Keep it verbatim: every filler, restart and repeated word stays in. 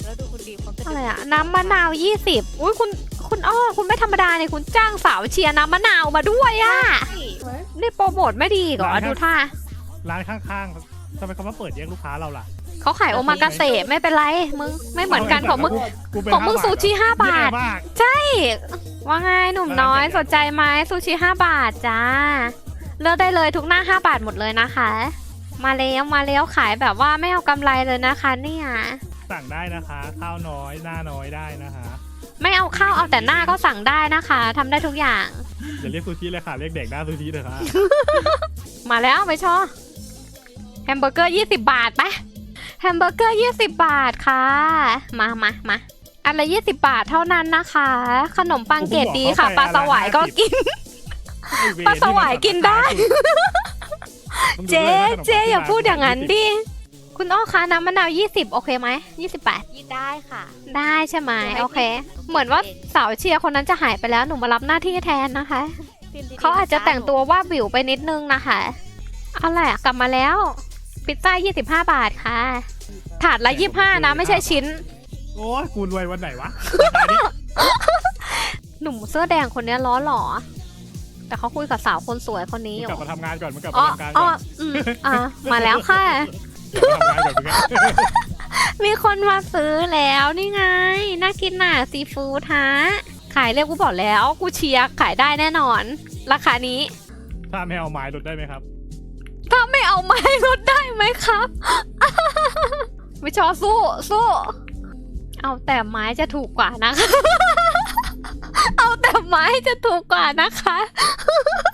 แล้วดูคุณดีเขาจะอะไรอะน้ำมะนาวยี่สิบอุ้ยคุณคุณอ้อคุณไม่ธรรมดาเนี่ยคุณจ้างสาวเชียร์น้ำมะนาวมาด้วยอะนี่โปรโมทไม่ดีเหรอดูท่าร้านข้างๆทำไมเขามาเปิดแย่งลูกค้าเราล่ะเขาขายโอมากาเสะไม่เป็นไรมึงไม่เหมือนกันของมึงกูเป็นของมึงห้าซูชิห้าบาทแย่มากใช่ว่าไงหนุ่มน้อยสนใจไหมซูชิห้าบาทจ้าเลือกได้เลยทุกหน้าห้าบาทหมดเลยนะคะ มาแล้วมาแล้วขายแบบว่าไม่เอากำไรเลยนะคะเนี่ยสั่งได้นะคะ ข้าวน้อยหน้าน้อยได้นะคะไม่เอาข้าวเอาแต่หน้าก็สั่งได้นะคะทำได้ทุกอย่างอย่าเรียกซูชิเลยค่ะเรียกเด็กหน้าซูชิเถอะค่ะมาแล้วไปชอแฮมเบอร์เกอร์ยี่สิบบาทไปแฮมเบอร์เกอร์ยี่สิบบาทค่ะมามามาอันละยี่สิบบาทเท่านั้นนะคะ ขนมปังเกรดดีค่ะปลาสวายก็กิน ปลาสวายกินได้ เจ๊เจ๊อย่าพูดอย่างนั้นดิคุณอ้อคะน้ำมะนาวยี่สิบโอเคไหมยี่สิบบาทยี่ได้ค่ะได้ใช่ไหมโอเค เหมือนว่าสาวเชียร์คนนั้นจะหายไปแล้วหนูมารับหน้าที่แทนนะคะ เขาอาจจะแต่งตัวว่าบิวไปนิดนึงนะคะเอาแหละกลับมาแล้วพิซซ่ายี่สิบห้าบาทค่ะ ถาดละยี่สิบห้านะไม่ใช่ชิ้นโอ้ยกูรวยวันไหนวะหนุ่มเสื้อแดงคนนี้ล้อหล่อแต่เขาคุยกับสาวคนสวยคนนี้อกลับยู่มาทำงานก่อนมึงกลับอ๋มาอทำงานอ๋ก่ออนอืมอ่ะมาแล้วค่ะกลับมาทำงานก่อนมึงอะมีคนมาซื้อแล้วนี่ไงน่ากินน่ะซีฟู้ดฮะขายเรียกกูบอกแล้วกูเชียร์ขายได้แน่นอน ราคานี้ถ้าไม่เอาไม้ลดได้ไหมครับถ้าไม่เอาไม้ลดได้ไหมครับ ไม่ชอสู้สู้เอาแต่ไม้จะถูกกว่านะคะ เอาแต่ไม้จะถูกกว่านะคะ